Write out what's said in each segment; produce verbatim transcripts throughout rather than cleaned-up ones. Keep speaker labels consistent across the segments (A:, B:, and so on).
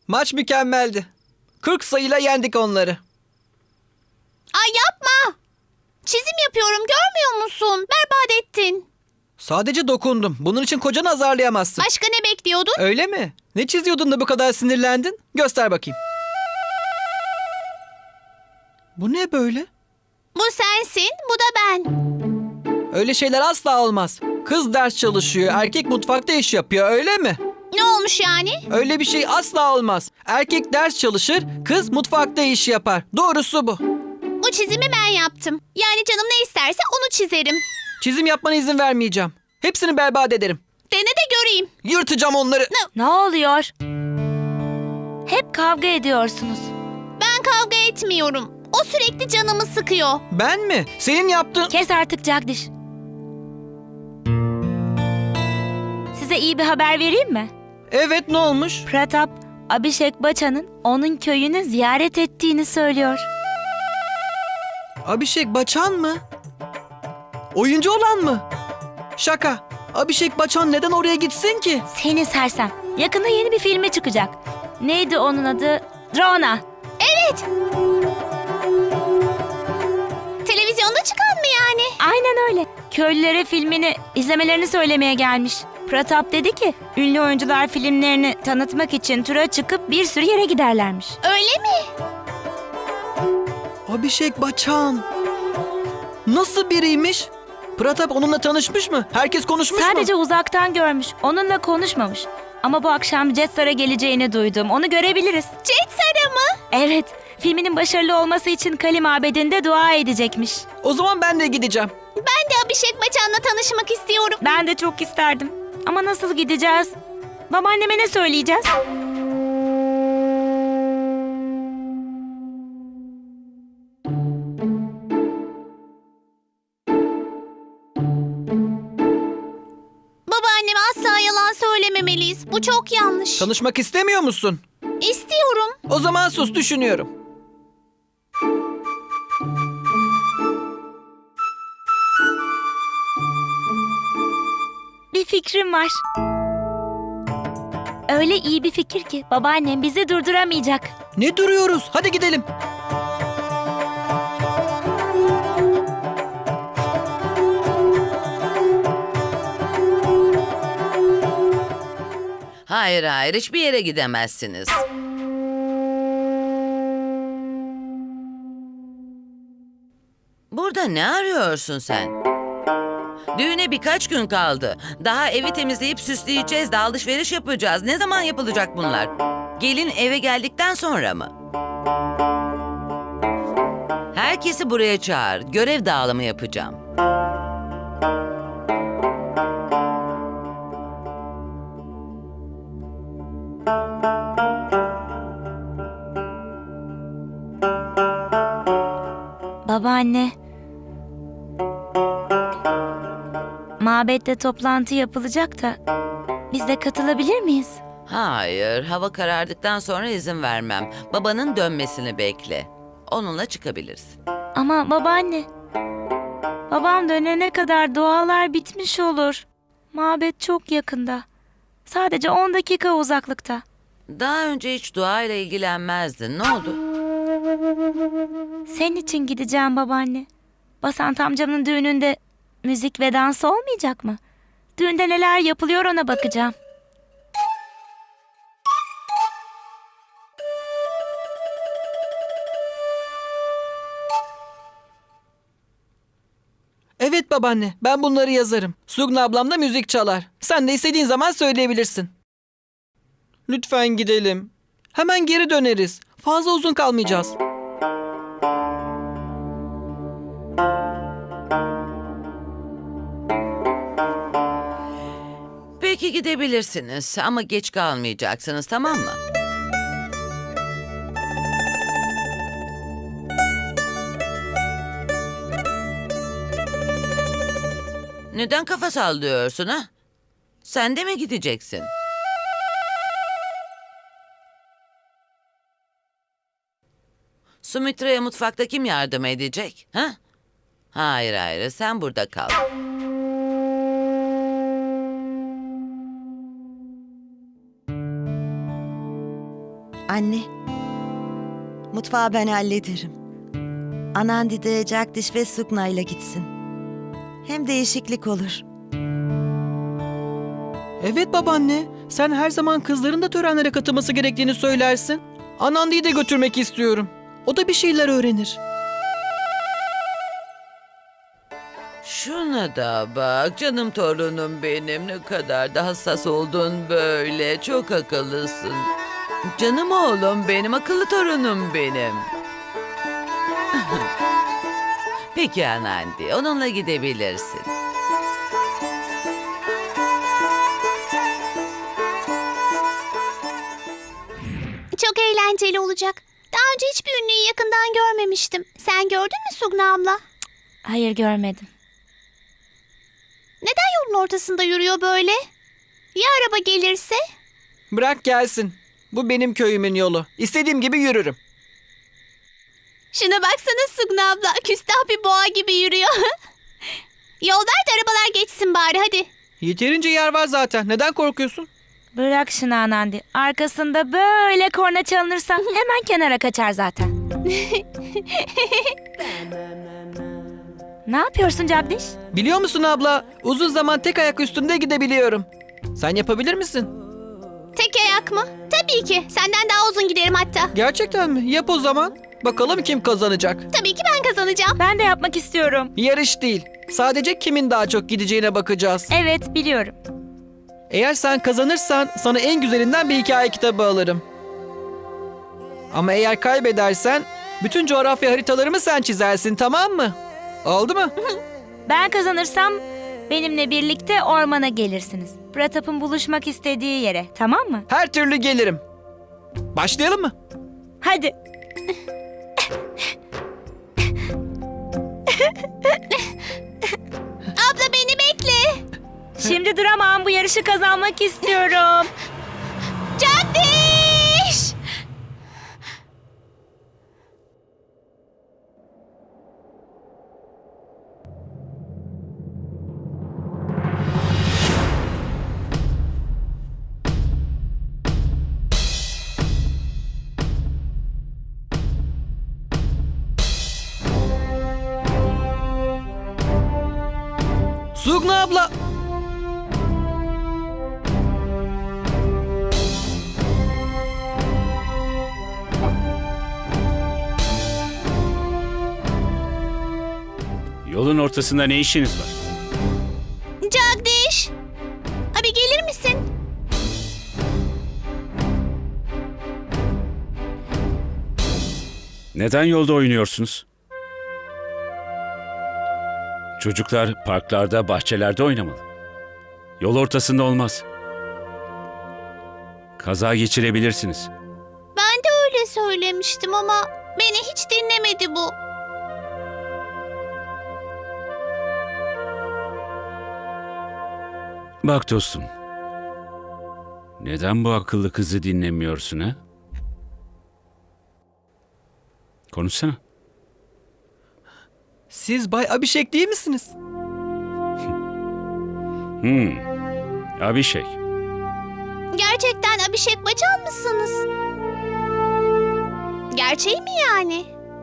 A: Maç mükemmeldi. kırk sayıyla yendik onları.
B: Ay yapma. Çizim yapıyorum, görmüyor musun? Berbat ettin.
A: Sadece dokundum. Bunun için kocanı azarlayamazsın.
B: Başka ne bekliyordun?
A: Öyle mi? Ne çiziyordun da bu kadar sinirlendin? Göster bakayım. Bu ne böyle?
B: Bu sensin, bu da ben.
A: Öyle şeyler asla olmaz. Kız ders çalışıyor, erkek mutfakta iş yapıyor, öyle mi?
B: Ne olmuş yani?
A: Öyle bir şey asla olmaz. Erkek ders çalışır, kız mutfakta iş yapar. Doğrusu bu.
B: Bu çizimi ben yaptım. Yani canım ne isterse onu çizerim.
A: Çizim yapmana izin vermeyeceğim. Hepsini berbat ederim.
B: Dene de göreyim.
A: Yırtacağım onları.
C: Ne oluyor? Hep kavga ediyorsunuz.
B: Ben kavga etmiyorum. O sürekli canımı sıkıyor.
A: Ben mi? Senin yaptığın...
C: Kes artık Jagdish. Size iyi bir haber vereyim mi?
A: Evet, ne olmuş?
C: Pratap, Abhishek Bachchan'ın onun köyünü ziyaret ettiğini söylüyor.
A: Abhishek Bachchan mı? Oyuncu olan mı? Şaka. Abhishek Bachchan neden oraya gitsin ki?
C: Seni sersem. Yakında yeni bir filme çıkacak. Neydi onun adı? Drona.
B: Evet. Televizyonda çıkan mı yani?
C: Aynen öyle. Köylülere filmini izlemelerini söylemeye gelmiş. Pratap dedi ki ünlü oyuncular filmlerini tanıtmak için tura çıkıp bir sürü yere giderlermiş.
B: Öyle mi?
A: Abhishek Bachchan. Nasıl biriymiş? Pratap onunla tanışmış mı? Herkes konuşmuş
C: Sadece
A: mu?
C: uzaktan görmüş. Onunla konuşmamış. Ama bu akşam Jetstar'a geleceğini duydum. Onu görebiliriz.
B: Jetstar'a mı?
C: Evet. Filminin başarılı olması için Kali Mabedi'nde dua edecekmiş.
A: O zaman ben de gideceğim.
B: Ben de Abhishek Bachchan'la tanışmak istiyorum.
C: Ben de çok isterdim. Ama nasıl gideceğiz? Babaanneme ne söyleyeceğiz?
B: Babaanneme asla yalan söylememeliyiz. Bu çok yanlış.
A: Tanışmak istemiyor musun?
B: İstiyorum.
A: O zaman sus, düşünüyorum.
C: Bir fikrim var. Öyle iyi bir fikir ki babaannem bizi durduramayacak.
A: Ne duruyoruz? Hadi gidelim.
D: Hayır hayır hiçbir yere gidemezsiniz. Burada ne arıyorsun sen? Düğüne birkaç gün kaldı. Daha evi temizleyip süsleyeceğiz de alışveriş yapacağız. Ne zaman yapılacak bunlar? Gelin eve geldikten sonra mı? Herkesi buraya çağır. Görev dağılımı yapacağım.
C: Babaanne. Mabette toplantı yapılacak da biz de katılabilir miyiz?
D: Hayır, hava karardıktan sonra izin vermem. Babanın dönmesini bekle. Onunla çıkabilirsin.
C: Ama babaanne. Babam dönene kadar dualar bitmiş olur. Mabet çok yakında. Sadece on dakika uzaklıkta.
D: Daha önce hiç dua ile ilgilenmezdin. Ne oldu?
C: Senin için gideceğim babaanne. Basant amcamın düğününde müzik ve dans olmayacak mı? Düğünde neler yapılıyor ona bakacağım.
A: Evet babaanne, ben bunları yazarım. Sugna ablam da müzik çalar. Sen de istediğin zaman söyleyebilirsin. Lütfen gidelim. Hemen geri döneriz. Fazla uzun kalmayacağız.
D: Peki gidebilirsiniz ama geç kalmayacaksınız, tamam mı? Neden kafa sallıyorsun ha? Sen de mi gideceksin? Sumitra'ya mutfakta kim yardım edecek? Ha? Hayır hayır, sen burada kal.
E: Anne, mutfağı ben hallederim. Anandi de Jagdish ve Sugna ile gitsin. Hem değişiklik olur.
A: Evet babaanne, sen her zaman kızların da törenlere katılması gerektiğini söylersin. Anandi'yi de götürmek istiyorum. O da bir şeyler öğrenir.
D: Şuna da bak canım torunum benim, ne kadar da hassas oldun böyle, çok akıllısın. Canım oğlum benim, akıllı torunum benim. Peki Anandi, onunla gidebilirsin.
B: Çok eğlenceli olacak. Daha önce hiçbir ünlüyü yakından görmemiştim. Sen gördün mü Sugna abla?
C: Hayır, görmedim.
B: Neden yolun ortasında yürüyor böyle? Ya araba gelirse?
A: Bırak gelsin. Bu benim köyümün yolu. İstediğim gibi yürürüm.
B: Şuna baksana Sugna abla. Küstah bir boğa gibi yürüyor. Yol ver de arabalar geçsin bari hadi.
A: Yeterince yer var zaten. Neden korkuyorsun?
C: Bırak şunu Anandi. Arkasında böyle korna çalınırsa hemen kenara kaçar zaten. Ne yapıyorsun Jagdish?
A: Biliyor musun abla? Uzun zaman tek ayak üstünde gidebiliyorum. Sen yapabilir misin?
B: Tek ayak mı? Tabii ki. Senden daha uzun giderim hatta.
A: Gerçekten mi? Yap o zaman. Bakalım kim kazanacak.
B: Tabii ki ben kazanacağım.
C: Ben de yapmak istiyorum.
A: Yarış değil. Sadece kimin daha çok gideceğine bakacağız.
C: Evet, biliyorum.
A: Eğer sen kazanırsan sana en güzelinden bir hikaye kitabı alırım. Ama eğer kaybedersen bütün coğrafya haritalarımı sen çizersin, tamam mı? Oldu mu?
C: Ben kazanırsam benimle birlikte ormana gelirsiniz. Pratap'ın buluşmak istediği yere, tamam mı?
A: Her türlü gelirim. Başlayalım mı?
C: Hadi.
B: Abla beni bekle.
C: Şimdi duramam, bu yarışı kazanmak istiyorum.
B: Jagdish!
A: Sugna abla.
F: Yolun ortasında ne işiniz var?
B: Jagdish! Abi gelir misin?
F: Neden yolda oynuyorsunuz? Çocuklar parklarda, bahçelerde oynamalı. Yol ortasında olmaz. Kaza geçirebilirsiniz.
B: Ben de öyle söylemiştim ama beni hiç dinlemedi bu.
F: Bak dostum. Neden bu akıllı kızı dinlemiyorsun ha? Konuşsana.
A: Siz Bay Abhishek değil misiniz?
F: Hmm. Abhishek.
B: Gerçekten Abhishek Bachchan mısınız? Gerçeği mi yani?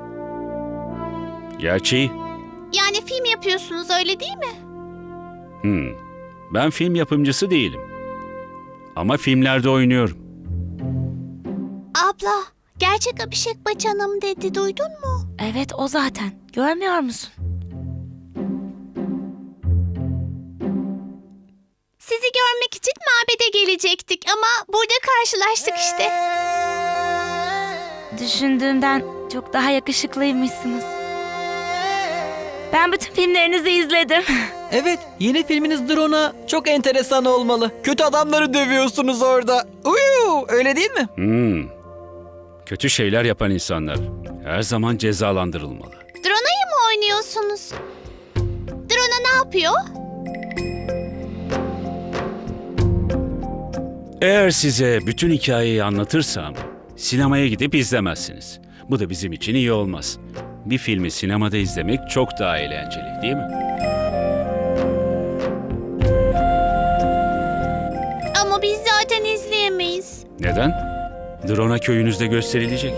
F: Gerçeği.
B: Yani film yapıyorsunuz öyle değil mi?
F: Hmm. Ben film yapımcısı değilim. Ama filmlerde oynuyorum.
B: Abla, gerçek Abhishek Bachchan'ım dedi, duydun mu?
C: Evet, o zaten. Görmüyor musun?
B: Sizi görmek için mabede gelecektik ama burada karşılaştık işte.
C: Düşündüğümden çok daha yakışıklıymışsınız. Ben bütün filmlerinizi izledim.
A: Evet, yeni filminiz Drone'a çok enteresan olmalı. Kötü adamları dövüyorsunuz orada. Uyu, öyle değil mi?
F: Hmm. Kötü şeyler yapan insanlar her zaman cezalandırılmalı.
B: Drona'yı mı oynuyorsunuz? Drona ne yapıyor?
F: Eğer size bütün hikayeyi anlatırsam sinemaya gidip izlemezsiniz. Bu da bizim için iyi olmaz. Bir filmi sinemada izlemek çok daha eğlenceli, değil mi?
B: Ama biz zaten izleyemeyiz.
F: Neden? Drona köyünüzde gösterilecek.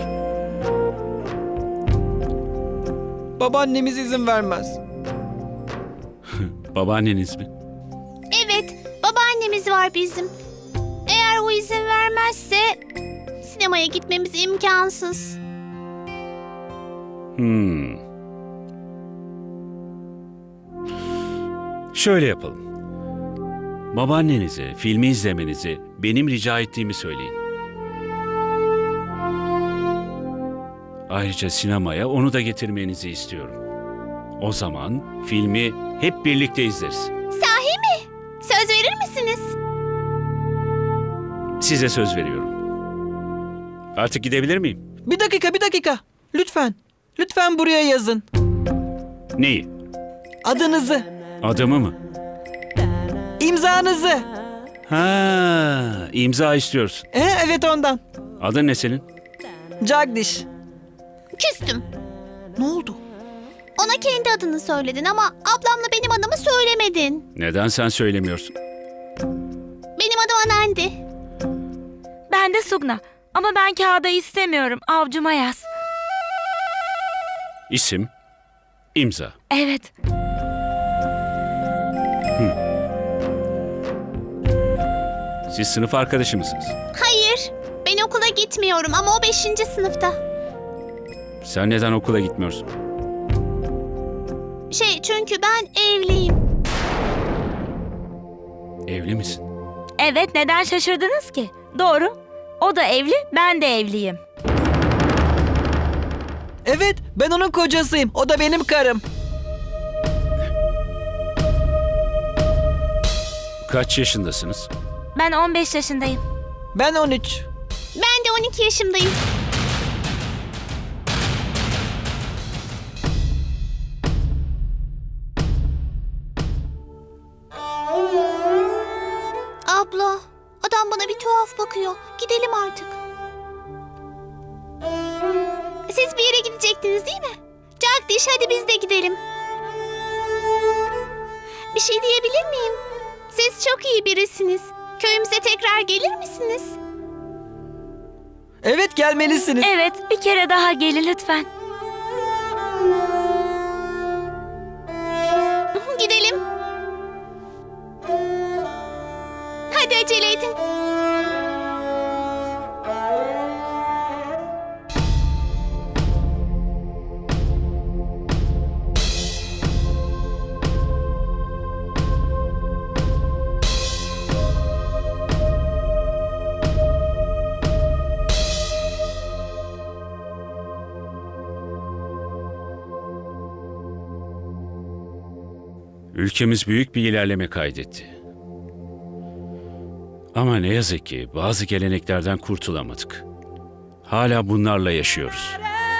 A: Babaannemiz izin vermez.
F: Babaanneniz mi?
B: Evet, babaannemiz var bizim. Eğer o izin vermezse sinemaya gitmemiz imkansız.
F: Hmm. Şöyle yapalım. Babaannenize filmi izlemenizi benim rica ettiğimi söyleyin. Ayrıca sinemaya onu da getirmenizi istiyorum. O zaman filmi hep birlikte izleriz.
B: Sahi mi? Söz verir misiniz?
F: Size söz veriyorum. Artık gidebilir miyim?
A: Bir dakika, bir dakika. Lütfen. Lütfen buraya yazın.
F: Neyi?
A: Adınızı,
F: Adımı mı?
A: imzanızı.
F: Ha, imza istiyorsun.
A: E, evet ondan.
F: Adın ne senin?
A: Jagdish.
B: Küstüm.
A: Ne oldu?
B: Ona kendi adını söyledin ama ablamla benim adımı söylemedin.
F: Neden sen söylemiyorsun?
B: Benim adım Anandi.
C: Ben de Sugna. Ama ben kağıda istemiyorum. Avcuma yaz.
F: İsim, imza.
C: Evet.
F: Siz sınıf arkadaşı mısınız?
B: Hayır, ben okula gitmiyorum ama o beşinci sınıfta.
F: Sen neden okula gitmiyorsun?
B: Şey, çünkü ben evliyim.
F: Evli misin?
C: Evet, neden şaşırdınız ki? Doğru. O da evli, ben de evliyim.
A: Evet, ben onun kocasıyım. O da benim karım.
F: Kaç yaşındasınız?
C: Ben on beş yaşındayım.
A: Ben on üç.
B: Ben de on iki yaşındayım. Abla, adam bana bir tuhaf bakıyor. Gidelim artık. Siz bir yere gidecektiniz değil mi? Jagdish, hadi biz de gidelim. Bir şey diyebilir miyim? Siz çok iyi birisiniz. Köyümüze tekrar gelir misiniz?
A: Evet, gelmelisiniz.
C: Evet, bir kere daha gelin lütfen.
B: Gidelim. Hadi acele edin.
F: Ülkemiz büyük bir ilerleme kaydetti. Ama ne yazık ki bazı geleneklerden kurtulamadık. Hala bunlarla yaşıyoruz.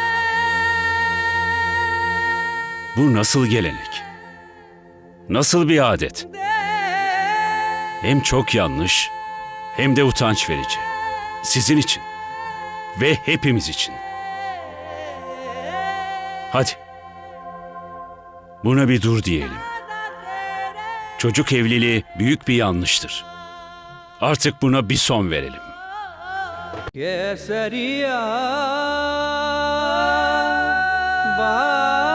F: Bu nasıl gelenek? Nasıl bir adet? Hem çok yanlış, hem de utanç verici. Sizin için ve hepimiz için. Hadi. Buna bir dur diyelim. Çocuk evliliği büyük bir yanlıştır. Artık buna bir son verelim.
A: Keseriya, ba